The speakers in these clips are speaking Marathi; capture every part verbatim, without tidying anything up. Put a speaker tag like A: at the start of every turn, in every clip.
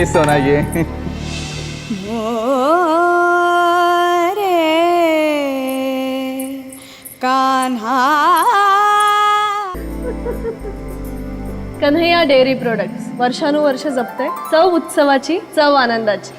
A: ये सोना ये
B: कान्हा
C: कन्हैया डेअरी प्रोडक्ट्स वर्षानुवर्ष जपते चव उत्सवाची चव आनंदाची.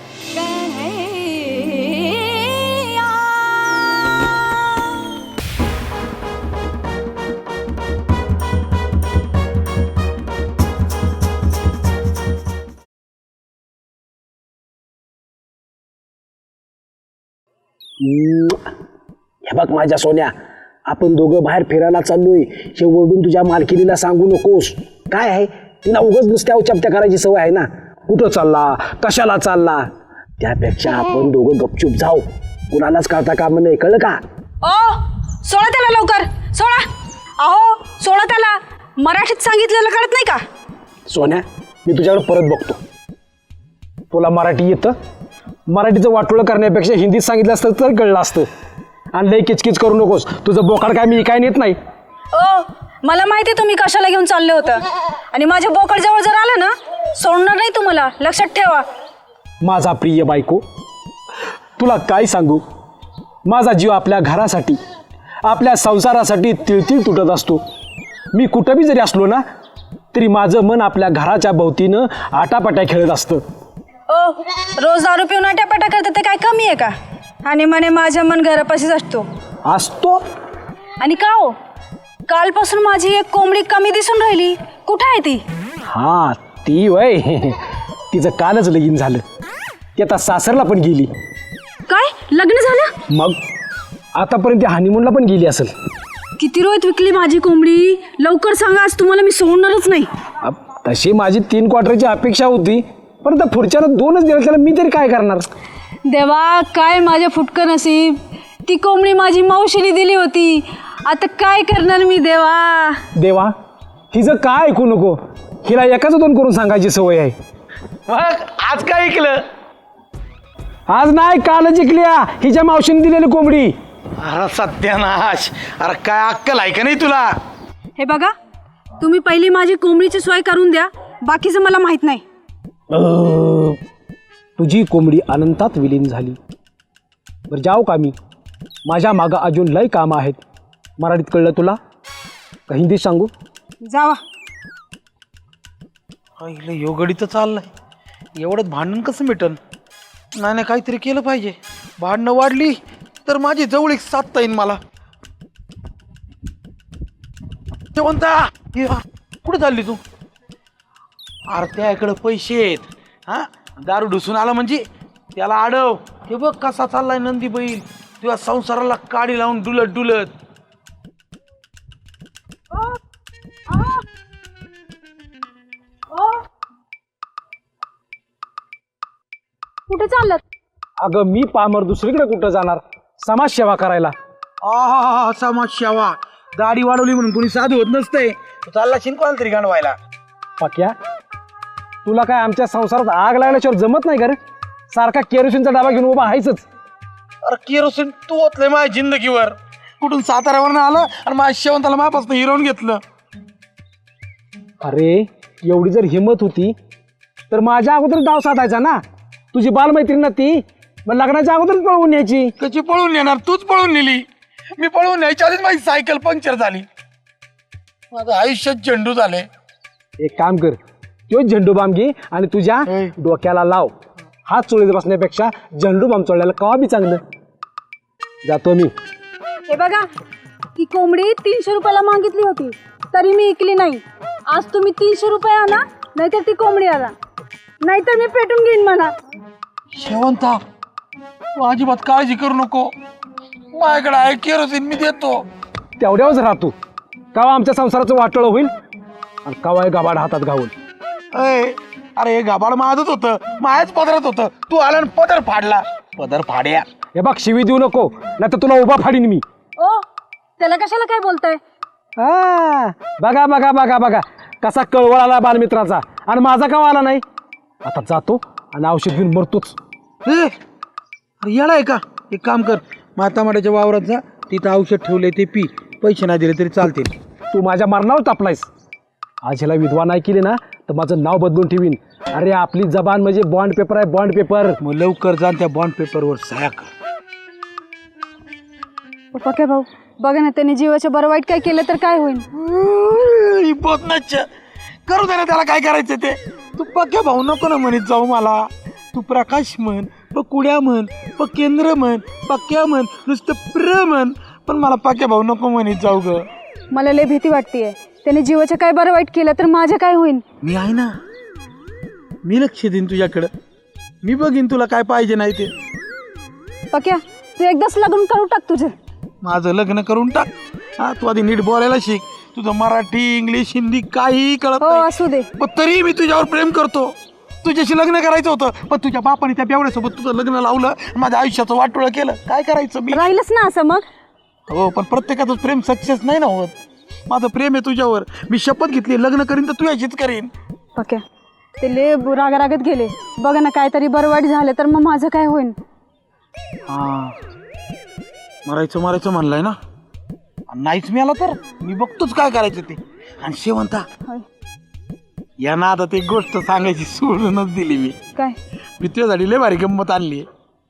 D: हे बघ माझ्या सोन्या, आपण दोघं बाहेर फिरायला चाललोय हे ओरडून तुझ्या मालकिनीला सांगू नकोस. काय आहे, तिला उगाच नुसत्या उचापत्या करायची सवय आहे ना. कुठं चालला, कशाला चालला, त्यापेक्षा आपण दोघं गपचूप जाऊ, कुणालाच कळता काम नाही. कळलं का?
B: ओ सोडा त्याला लवकर, सोडा. अहो सोडा त्याला, मराठीत सांगितलेलं कळत नाही का?
D: सोन्या, मी तुझ्याकडे परत बघतो. तुला मराठी येतं? मराठीचं वाटोळं करण्यापेक्षा हिंदीत सांगितलं असतं तर कळलं असतं. आणि लई किचकिच करू नकोस, तुझं बोकाड काय मी काय नेत नाही.
B: ओ मला माहिती तुम्ही कशाला घेऊन चालले होतं, आणि माझ्या बोकड जवळ जर आलं ना सोडणार नाही तुम्हाला, लक्षात ठेवा.
D: माझा प्रिय बायको, तुला काय सांगू, माझा जीव आपल्या घरासाठी आपल्या संसारासाठी तिळतिळ तुटत असतो. मी कुठं बी जरी असलो ना तरी माझं मन आपल्या घराच्या भोवतीनं आटापाट्या खेळत असतं.
B: ओ रोज दारू पिऊन आट्यापाट्या करते ते काय कमी आहे का? आणि म्हणे माझं मन घरापाशीच असतो
D: असतो.
B: आणि का हो, कालपासून माझी एक कोंबडी कमी दिसून राहिली, कुठं आहे ती?
D: हा ती वय तिचं कालच लगीन झालं, ती आता सासरला पण गेली.
B: काय लग्न झालं?
D: मग आतापर्यंत हनीमूनला पण गेली असेल.
B: किती रोहित विकली माझी कोंबडी, लवकर सांगा, आज तुम्हाला मी सोडणारच नाही.
D: अब तशी माझी तीन क्वार्टरची अपेक्षा होती, पण आता पुढच्याला दोनच दिवस त्याला मी तरी काय करणार.
B: देवा काय माझ्या फुटकं नसीब, ती कोंबडी माझी मावशीने दिली होती, आता काय करणार मी देवा.
D: देवा, हिचं काय ऐकू नको, हिला एकाच दोन करून सांगायची सवय आहे.
A: मग आज काय ऐकलं?
D: आज नाही कालच जिंकल्या हिच्या मावशीने दिलेली कोंबडी.
A: अरे सत्यानाश, अरे काय अक्कल आहे का नाही तुला?
B: हे बघा, तुम्ही पहिली माझी कोंबडीची सोय करून द्या, बाकीचं मला माहित नाही.
D: अं, तुझी कोंबडी अनंतात विलीन झाली. बरं जाऊ का मी, माझ्या मागं अजून लय कामं आहेत. मराठीत कळलं तुला का हिंदीत सांगू?
B: जावा.
A: इकडे योगडी तर चाललाय, एवढंच भांडण कसं मिटन? नाही नाही काहीतरी केलं पाहिजे. भांडणं वाढली तर माझी जवळ एक साधता येईन मला. म्हणता कुठे चालली तू? अरे त्याकडे पैसे आहेत, हा दारू ढुसून आला म्हणजे त्याला आडव. हे बघ कसा चाललाय नंदी बैल, तुझ्या संसाराला काडी लावून डुलत डुलत.
B: कुठे चाललात?
D: अगं मी पामर दुसरीकडे कुठं जाणार, समाजसेवा करायला.
A: आहा समाज सेवा, दाढी वाढवली म्हणून कोणी साधू होत नसते. तू चालला शिंकवायला तरी गांडवायला.
D: पक्या, तुला काय आमच्या संसारात आग लागल्याशिवाय जमत नाही का रे? सारखा केरोसिनचा डबा घेऊन उभा आहेच.
A: अरे केरोसिन तू ओतलंय माझ्या जिंदगीवर. कुठून साताऱ्यावरनं आलं आणि माझ्या शेवंताला मापासून हिरवून घेतलं.
D: अरे एवढी जर हिंमत होती तर माझ्या अगोदर डाव साधायचा ना. तुझी बालमैत्रीण ना ती, मग लग्नाच्या अगोदरच पळवून न्यायची.
A: कशी पळून नेणार? तूच पळून नेली. मी पळून न्यायच्या आधीच माझी सायकल पंक्चर झाली. माझं आयुष्यात झेंडू झाले.
D: एक काम कर, तो झेंडू बाम घे आणि तुझ्या डोक्याला लाव. हात चोळीत बसण्यापेक्षा झेंडू बाम चोळल्याला कवा बी चांगलं. जातो मी.
B: हे बघा, ती कोंबडी तीनशे रुपयाला मागितली होती तरी मी ऐकली नाही. आज तुम्ही तीनशे रुपये आणा, नाहीतर ती कोंबडी आणा, नाहीतर मी पेटून घेईन म्हणा.
A: शेवंता तू अजिबात काळजी करू नको, माझ्याकडे आहे केरोसिन, मी देतो.
D: तेवढ्यावरच राहतो. कवा आमच्या संसाराचं वाटोळं होईल आणि कवा गाबाड हातात घावून.
A: अय, अरे हे गाबाड माझंच होतं, माझ्याच पदरात होतं. तू आला आणि पदर फाडला. पदर फाड्या.
D: हे बघ, शिवी देऊ नको, नाही तर तुला उभा फाडीन मी.
B: ओ त्याला कशाला काय बोलताय?
D: हा बघा बघा बघा बघा कसा कळवळ आला बालमित्राचा, आणि माझा का आला नाही. आता जातो आणि औषध घेऊन मरतोच.
A: ए, अरे येडा आहे का? एक काम कर, मातामाड्याच्या वावरात जा, तिथं औषध ठेवलंय ते पी. पैसे नाही दिले तरी चालतील.
D: तू माझ्या मरणावर तापलायस. आज ह्याला विधवा नाही केली ना तर माझं नाव बदलून ठेवीन. अरे आपली जबान म्हणजे बॉन्ड पेपर आहे, बॉन्ड पेपर.
A: मग लवकर जा आणि त्या बॉन्ड पेपरवर सह्या कर.
B: पक्या भाऊ बघा ना, त्याने जीवाच्या बरं वाईट काय केलं तर काय होईल?
A: बोतनाच करू दे ना त्याला, काय करायचं ते. तू पक्या भाऊ नको ना म्हणत जाऊ मला. तू प्रकाश म्हण, प कुड्या म्हण, प केंद्र म्हण, पक्या म्हण, नुसतं प्र म्हण, पण मला पक्या भाऊ नको म्हणत जाऊ ग.
B: मला लय भीती वाटतेय. त्याने जीवाचं काय बरं वाईट केलं तर माझं काय होईल?
A: मी आहे ना, मी लक्ष देईन तुझ्याकडं. मी बघीन तुला काय पाहिजे नाही ते.
B: पक्या तू एकदाच लग्न करू टाक तुझं.
A: माझं लग्न करून टाक. हा तू आधी नीट बोलायला शिक. तुझं मराठी इंग्लिश हिंदी काही कळत
B: हो
A: नाही,
B: असू दे.
A: पण तरी मी तुझ्यावर प्रेम करतो. तुझ्याशी लग्न करायचं होतं, पण तुझ्या बापाने त्या बेवड्यासोबत तुझं लग्न लावलं, माझ्या आयुष्याचं वाटोळं केलं. काय करायचं मी?
B: राहिलंच ना असं मग.
A: हो पण प्रत्येकाचं प्रेम सक्सेस नाही ना होत. माझं प्रेम आहे तुझ्यावर. मी शपथ घेतली लग्न करीन तर तुझ्याशीच करीन.
B: पक्या ते लय रागारागत गेले. बघा ना काहीतरी बरं वाईट झालं तर मग माझं काय होईल?
A: हा मरायचं मरायचं म्हणलंय ना, नाहीच मी आला तर मी बघतोच काय करायचं ते. आणि शेवंता
B: होय.
A: यांना आता ते गोष्ट सांगायची सोडूनच दिली मी.
B: काय?
A: मी तुझ्यासाठी लय भारी गंमत आणली.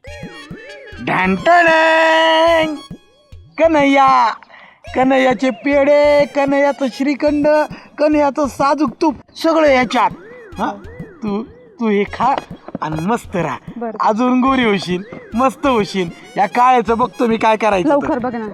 A: ढांटण कन्हैया, कन्हैयाचे पेढे, कन्हैयाचं श्रीखंड, कन्हैयाचं साजूक तूप सगळं ह्याच्यात. हा तू तू हे खा आणि मस्त राहा.
B: बरं.
A: अजून गोरी होशील, मस्त होशील. या काळ्याचं बघतो मी काय करायचं तर.
B: लवकर बघ ना.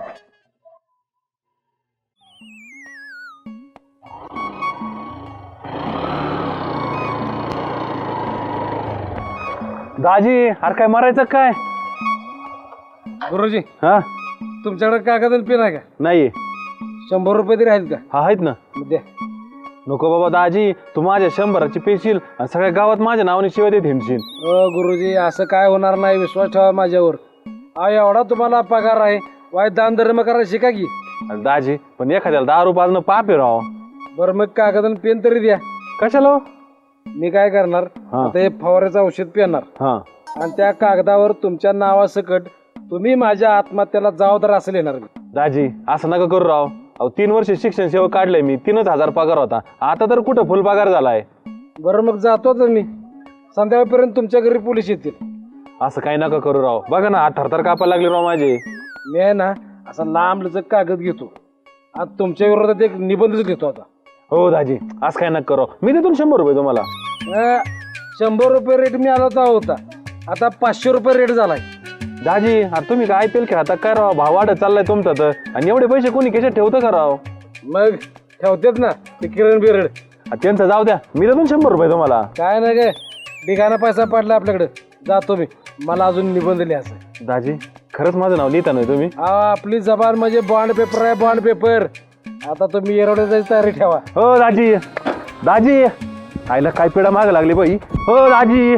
E: दाजी अरे काय मारायचं काय?
F: गुरुजी
E: हा
F: तुमच्याकडे कागद आणि पेन आहे का?
E: नाही.
F: शंभर रुपये तरी आहेत का?
E: हा आहेत ना.
F: मग द्या.
E: नको बाबा दाजी, तू माझ्या शंभराची पेशील आणि सगळ्या गावात माझ्या नावाने शिवाय देत हिंडशील.
F: अ गुरुजी असं काय होणार नाही, विश्वास ठेवा माझ्यावर. हा एवढा तुम्हाला पगार आहे, वाईट दान धर्म करायला शिका की.
E: अरे दाजी पण एखाद्याला दारू पाजणं पाप आहे राव.
F: बरं मग कागद आणि पेन तरी द्या.
E: कशाला हो?
F: मी काय करणार,
E: हा.
F: आता हे फवाऱ्याचं औषध पेणार
E: हा
F: आणि त्या कागदावर तुमच्या नावासकट तुम्ही माझ्या आत्महत्येला जबाबदार असं लिहिणार मी.
E: दाजी असं नका करू राव. अहो तीन वर्ष शिक्षण सेवा काढलंय मी, तीनच हजार पगार होता. आता तर कुठं फुल पगार झालाय.
F: बरं मग जातो तर मी. संध्याकाळपर्यंत तुमच्या घरी पोलीस येतील.
E: असं काही नका करू राव. बघा ना हात थरथर कापायला लागले राव माझे.
F: मी आहे ना असा लांब लचक कागद घेतो. आज तुमच्या विरोधात एक निबंधच घेतो आता.
E: हो दाजी असं काय नका करू. मी देतो ना शंभर रुपये तुम्हाला.
F: अ, शंभर रुपये रेट मी आला तर होता, आता पाचशे रुपये रेट झालाय.
E: दाजी अरे तुम्ही काय आय पी एल खेळता काय राव? भाव वाढत चाललाय तुमचा तर. आणि एवढे पैसे कोणी कशात ठेवतं का राव?
F: मग ठेवतेत ना ते किरण बिरण.
E: आ, त्यांचं जाऊ द्या, मी देतो ना शंभर रुपये तुम्हाला.
F: काय नाही काय बिगाना पैसा पडला आपल्याकडे. जातो मी, मला अजून निबंध लिहायचा.
E: दाजी खरंच माझं नाव लिहिता नाही तुम्ही?
F: हा आपली जबान म्हणजे बॉन्ड पेपर आहे, बॉन्ड पेपर. आता तुम्ही एरवड्या जायची तयारी ठेवा.
E: हो दाजी. दाजी आईला काय पिढा माग लागली बाई. हो दाजी.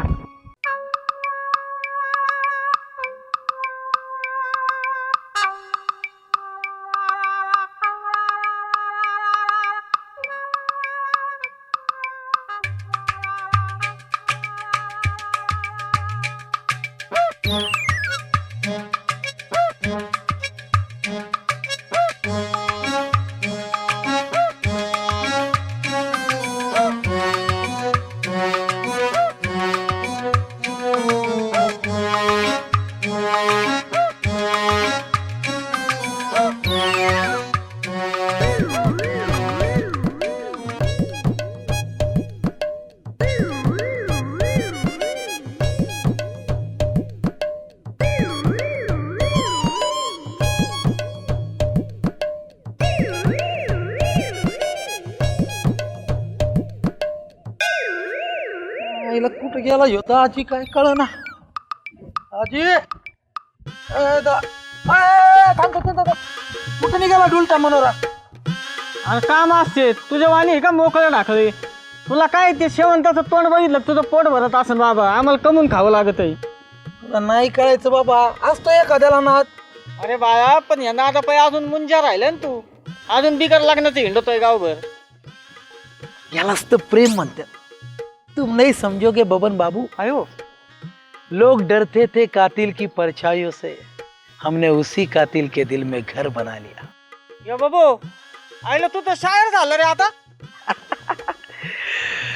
A: आईला कुठं गेला ह्यो आजी काय कळ ना. आजी ए, दा- ए, थांब, थांब, थांब, थांब. कुठं निघाला डुलटा मनोरा?
G: अरे काम असते तुझ्या वाणी आहे का मोकळे ढाकळे? तुला काय ते शेवंताचं तोंड बघितलं तुझं पोट भरत असेल बाबा. आम्हाला कमून खावं लागत आहे.
A: तुला नाही कळायचं बाबा, असतो एखाद्याला नाद.
G: अरे बाळा पण यांना आता पाय अजून मुंजा राहिला ना तू. अजून बिगर लग्नाचं हिंडतोय गावभर.
A: यालाच तर प्रेम म्हणतात. तुम नहीं समझोगे बबन बाबू.
G: अयो
A: लोग डरते थे कातिल की परछाइयों से, हमने उसी कातिल के दिल में घर बना लिया.
G: यो बाबू आईला तू तर शायर झालं रे आता.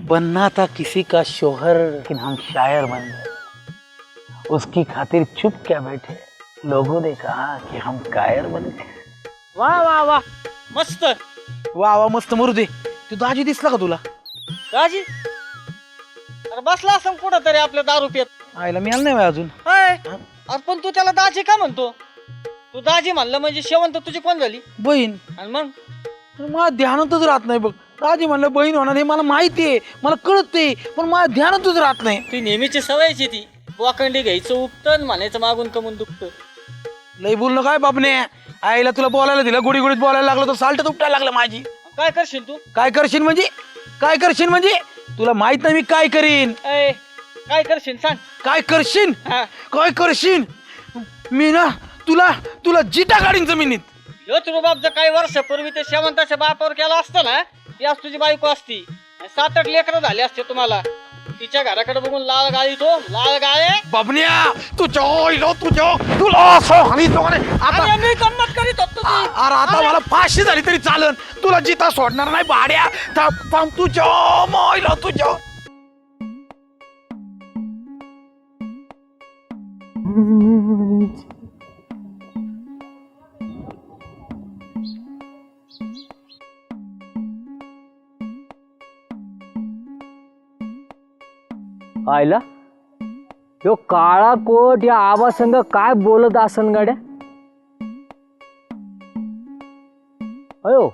A: बनना था किसी का शोहर लेकिन हम शायर बन गए, उसकी खातिर चुप क्या बैठे, लोगों ने कहा कि हम कायर बन गए.
G: वा वा वा मस्त.
A: वा वा मस्त मरू दे. तू दाजी दिसला का तुला?
G: दाजी अरे बसला असं कुठं तरी आपल्या दारू पित.
A: आईला मिळालं नाही बाई अजून.
G: हाय अरे पण तू त्याला दाजी का म्हणतो? तू दाजी म्हणलं म्हणजे शेवंत तुझी कोण झाली?
A: बहीण.
G: आणि मग
A: मला ध्यानातच राहत नाही बघ. दाजी म्हणलं बहीण होणार हे मला माहिती आहे, मला कळते, पण मला ध्यानातच राहत नाही.
G: ती नेहमीची सवयची ती वाकंडी घ्यायचं उपटन म्हणायचं मागून कमून दुखतं.
A: लई बोलणं काय बापने. आईला तुला बोलायला दिलं, गुडी गुडीत बोलायला लागलं तर साल्ट उपटायला लागलं माझी.
G: काय करशील तू?
A: काय करशील म्हणजे? काय करशील म्हणजे? तुला माहित नाही मी काय करीन.
G: ए काय करशील सांग.
A: काय करशील?
G: हा.
A: काय करशील? मी ना तुला तुला जिटा काढीन जमिनीत.
G: ह्योच रुबाब जर काही वर्षापूर्वी ते शेवंताच्या बापावर केला असतं ना, ती आज तुझी बायको असती. सात आठ लेकरं झाले असते तुम्हाला. तिच्या घराकडे बघून लाल गाळी तो लाल गाळे.
A: बाबन्या तुझ्या ओइलो तुझ्या तुला असं हानीतो का नाही? आता
G: अरे मी गंमत करीत होतो ती.
A: अरे आता मला फाशी झाली तरी चालन, तुला जिता सोडणार नाही भाड्या. थांब थांब तुझ्या मोइलो तुझ्या.
H: आयला यो काळा कोट या आबा संग काय बोलत असन गाड्या. अयो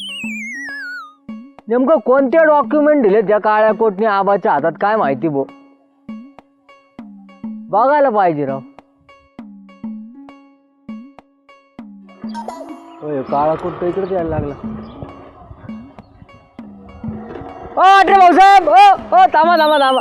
H: नेमकं कोणते डॉक्युमेंट दिले त्या काळ्या कोटने आबाच्या हातात काय माहिती बो. बघायला पाहिजे राव. होय काळा कोट तर इकडेच यायला लागला. ओ अरे भाऊसाहेब ओ ओ थांबा थांबा थांबा.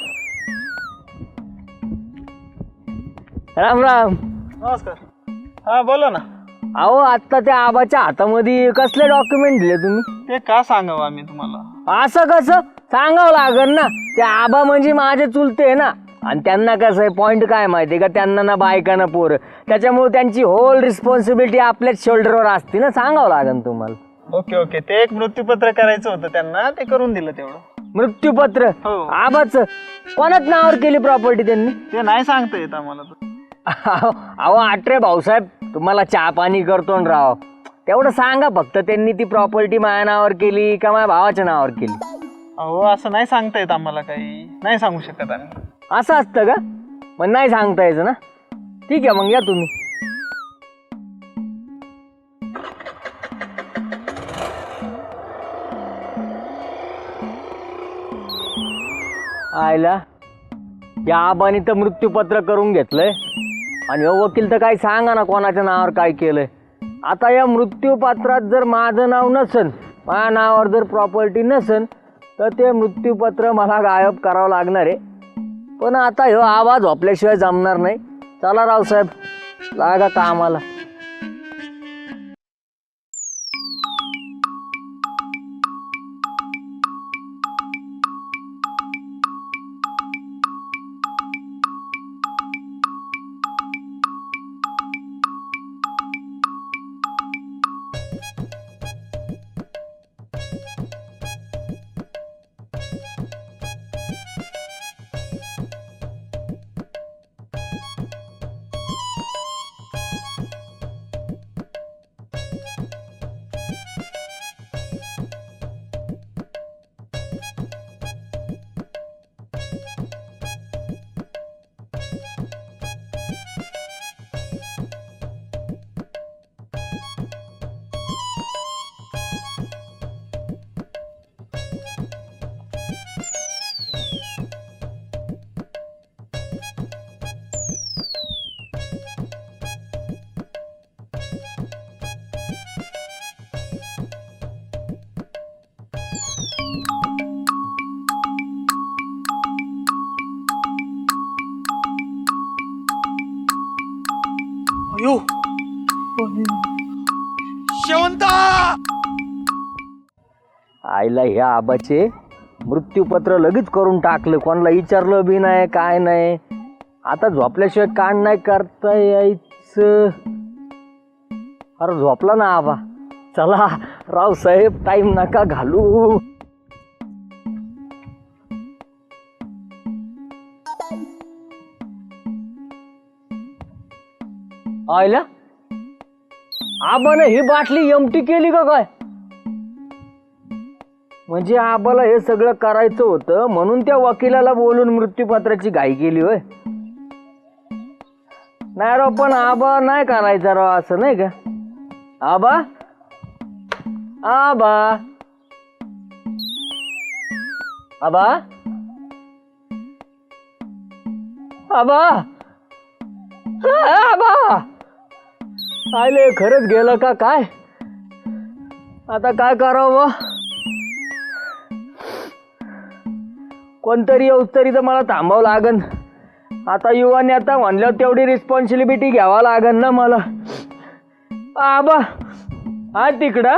H: राम राम.
G: नमस्कार. हा बोला ना.
H: अहो आता त्या आबाच्या हातामध्ये कसले डॉक्युमेंट दिले तुम्ही?
G: ते का सांगावं आम्ही तुम्हाला?
H: असं कसं सांगावं लागेल ना. ते आबा म्हणजे माझे चुलते आहे ना, आणि त्यांना कसं आहे पॉइंट काय माहिती का, त्यांना ना बायका ना पोरं, त्याच्यामुळे त्यांची होल रिस्पॉन्सिबिलिटी आपल्याच शोल्डरवर असते ना. सांगावं लागेल तुम्हाला.
G: Okay okay. ते एक मृत्यूपत्र करायचं होतं त्यांना, ते करून दिलं तेवढं.
H: मृत्यूपत्र
G: हो.
H: आबाच कोणाच नावावर केली प्रॉपर्टी त्यांनी?
G: ते नाही सांगता येत आम्हाला.
H: अहो आटरे भाऊसाहेब तुम्हाला चहा पाणी करतो न राव, तेवढं सांगा फक्त त्यांनी ती प्रॉपर्टी माझ्या नावावर केली का माझ्या भावाच्या नावावर केली.
G: अहो असं नाही सांगता येत आम्हाला, काही नाही सांगू शकत आम्ही.
H: असं असतं का? मग नाही सांगता यायचं ना. ठीक आहे मग या तुम्ही. आयला या आबानी तर मृत्यूपत्र करून घेतलंय आणि हो वकील तर काही सांगा ना कोणाच्या नावावर काय केलंय. आता या मृत्यूपत्रात जर माझं नाव नसन, माझ्या नावावर जर प्रॉपर्टी नसन, तर ते मृत्यूपत्र मला गायब करावं लागणार आहे. पण आता ह्यो आवाज झोपल्याशिवाय जमणार नाही. चला रावसाहेब लागा कामाला.
A: अयो शेवंता.
H: आईला ह्या आबाचे मृत्यूपत्र लगेच करून टाकलं, कोणाला विचारलं बी नाही काय नाही. आता झोपल्याशिवाय कान नाही करता यायचं. अरे झोपला ना आबा. चला रावसाहेब टाईम नका घालू. आयला आबाने ही बाटली एमटी केली का काय? म्हणजे आबाला हे सगळं करायचं होतं म्हणून त्या वकिलाला बोलून मृत्यूपत्राची घाई केली होय. नाही राव, पण आबा नाही करायचा राव असं, नाही का? आबा आबा आबा आबा आबा आले खरंच गेलं का काय? आता काय करावं? कोणतरी येऊस तरी तर मला थांबावं लागन. आता युवा नेता म्हणल्यावर तेवढी रिस्पॉन्सिबिलिटी घ्यावा लागन ना मला. आबा हा तिकडं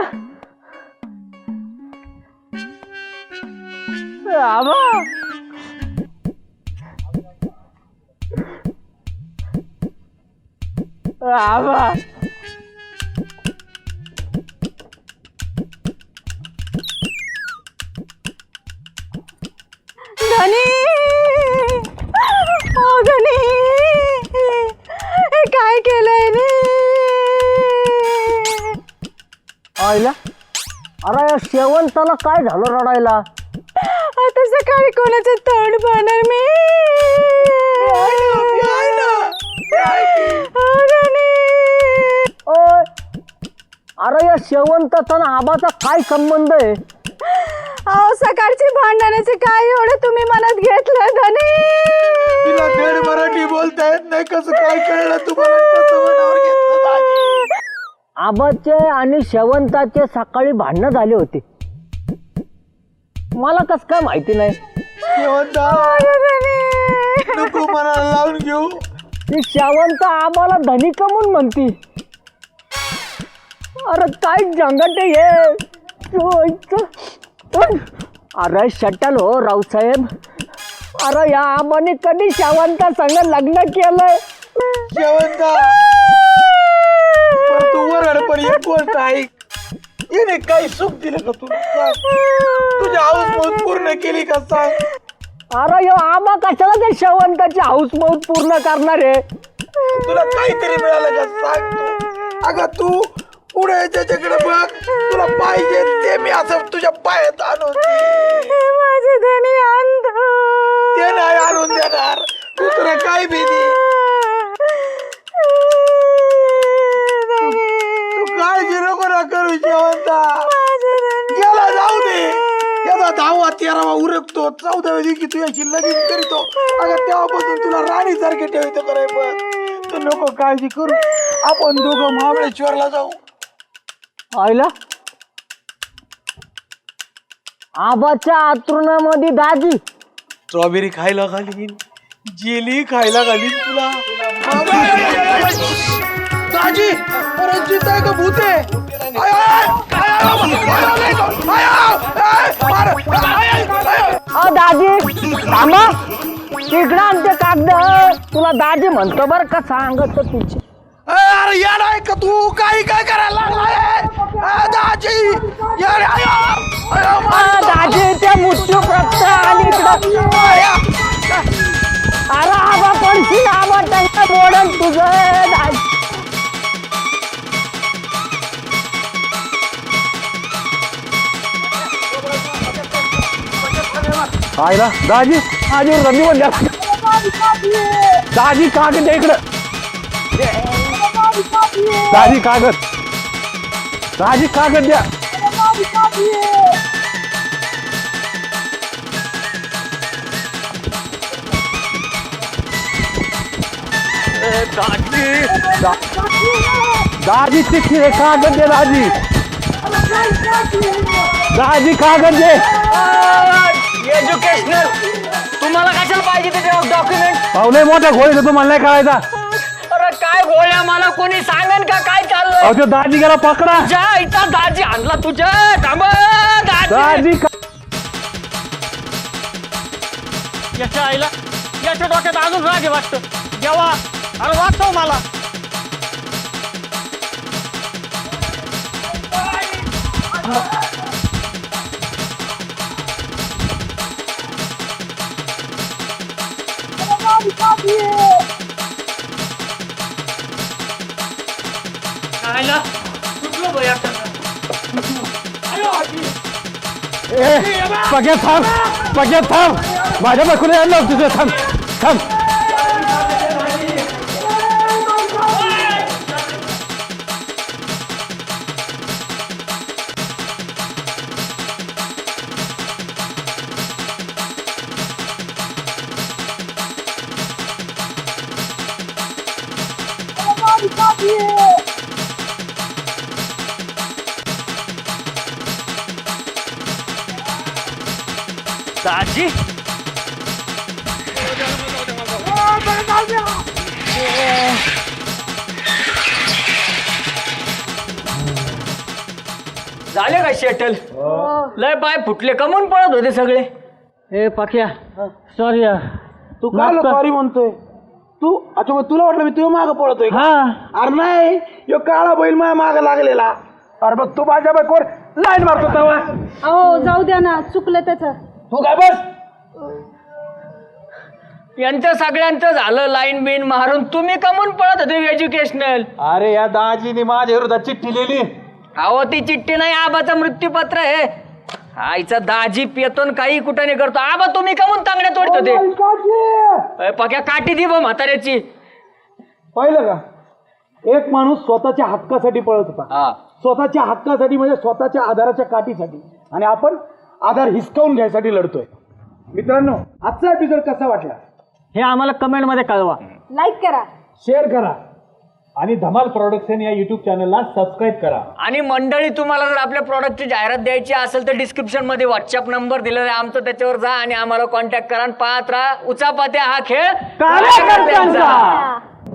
H: आबा आबा
B: धनी, ओ धनी, हे काय केलंय रे?
H: आईला अरे या शेवंताला काय झालं रडायला?
B: आता सकाळी कोणाचं तोंड पाहणार मी? ओ धनी.
H: ओय, अरे या शेवंताचा ना आबाचा काय संबंध आहे?
B: अहो सकाळची भांडणाचे काय एवढं तुम्ही मनात घेतलं धनी?
A: तिला धड मराठी बोलता येत नाही, कसं काय कळलं तुम्हाला? कसं मनावर घेतलं दाजी?
H: आबाचे आणि शेवंताचे सकाळी भांडणं झाले होते. मला कस काय माहिती नाही?
A: शेवंता नको मनाला लावून घेऊ.
H: ती शेवंत आबाला धनी कमून म्हणती. अरे काय जंगट हे. अरे शटल हो रावसाहेब. अरे या आबाने कधी शेवंता संग लग्न केलंय?
A: शेवंता पण तू वरड पण एक गोष्ट ऐक. येणे काही सुख दिलं का तुला? सांग. तुझी हाऊस मौज पूर्ण केली का सांग?
H: अरे यो आबा कशाला ते शेवंताची हाऊस मौज पूर्ण करणार आहे?
A: तुला काहीतरी मिळालं का सांग तू? अगं तू पुढे त्याच्याकडे बघ, तुला पाहिजे ते मी असं तुझ्या पायात आणून देईन.
B: माझे धनी अंध.
A: ते नाही आणून देणार. दुसरं काय भीती? तू काळजी नको ना करू शेवंता. गेला जाऊ दे. याचा दहावा तेरावा उरकतो, चौदाव्या दिवशी तुझ्याशी लगीन करीतो. अगं तेव्हापासून तुला राणी सारखे ठेवतो कराय. पण तू नको काळजी करू. आपण दोघं महाबळेश्वरला जाऊ.
H: आईला आबाच्या आतरुणामध्ये दाजी
A: स्ट्रॉबेरी खायला घालीन, जेली खायला घालीन तुला. दाजी परत जीत आहे का भूत आहे? आय, आय, आय, आय, आय, आय, आय, आय.
H: अ दाजी थांबा. तिकडं आमचे कागद. तुला दाजी म्हणतो बर का, सांगत तुझी.
A: अरे यार आहे का तू? काही काय करायला लागलाय? अ, दाजी यार, आय, आय, आय,
H: दाजी त्या मृत्यू प्राप्त आणि इकडं. अरे आबा पडशील. आबा त्यांना मोडन तुझं दाजी.
E: आईला दाजी आजी रमी म्हणल्या. दाजी कागद द्या इकडं. दाजी कागद. दाजी कागद द्या. दाजी दाजी चिठ्ठी आहे, कागद दे दाजी. दाजी कागद दे.
H: एज्युकेशनल तुम्हाला कशाला पाहिजे ते डॉक्युमेंट?
E: पाहुणे मोठ्या घोळीचा तुम्हाला नाही कळायचा.
H: अरे काय गोळ्या, मला कोणी सांगेन का काय चाललंय?
E: अहो तो दाजी गेला पकडा.
H: तुझ्या इथं दाजी आणला तुझ्या. थांब दाजी.
E: दाजी का-
G: याच्या आईला याच्या डोक्यात अजून राग आहे वाटतं. जेव्हा अरे वाचव मला.
F: पग्या थांब पग्या थांब माझ्या बायकोला यायला लाव तुझं थांब थांब
H: दाजी झाले का शेटल लय पाय फुटले कमून पळत होते सगळे. ए पाक्या सॉरी
A: तू काय सॉरी म्हणतोय तू? अच्छा मग तुला वाटलं मी तुझ्या मागं पळतोय का? अरे नाही यो काळा बैल माझ्या मागं लागलेला.
F: अरे बघ तू माझ्या बायकोवर लाईन मारतो तेव्हा
B: अहो जाऊ द्या ना, चुकलं त्याचं.
F: तू काय बस
H: यांचं सगळ्यांचं झालं लाईन बिन मारून, तुम्ही कमून पळत होते एज्युकेशनल.
E: अरे या दाजीने माझ्या विरोधात चिठ्ठी लिहिली.
H: अहो ती चिठ्ठी नाही, आबाचं मृत्यूपत्र आहे. आईचा दाजी पेतून काही कुठं नाही करतो. आबा तुम्ही कमून तांगड्या तोडत होते. पक्या काठी दि बा म्हाताऱ्याची.
A: पाहिलं का, एक माणूस स्वतःच्या हक्कासाठी पळत होता,
H: हा
A: स्वतःच्या हक्कासाठी म्हणजे स्वतःच्या आधाराच्या काठीसाठी, आणि आपण आधार हिसकावून घ्यायसाठी लढतोय. मित्रांनो, आजचा एपिसोड कसा वाटला
H: हे आम्हाला कमेंट मध्ये कळवा.
B: लाईक करा,
A: शेअर करा
E: आणि धमाल प्रोडक्शन या युट्यूब चॅनलला सबस्क्राईब करा.
H: आणि मंडळी तुम्हाला जर आपल्या प्रॉडक्टची जाहिरात द्यायची असेल तर डिस्क्रिप्शन मध्ये व्हॉट्सअप नंबर दिलेला आहे आमचं, त्याच्यावर जा आणि आम्हाला कॉन्टॅक्ट करा. पाहत राहा उचापात्या हा खेळ कार्यकर्त्यांचा.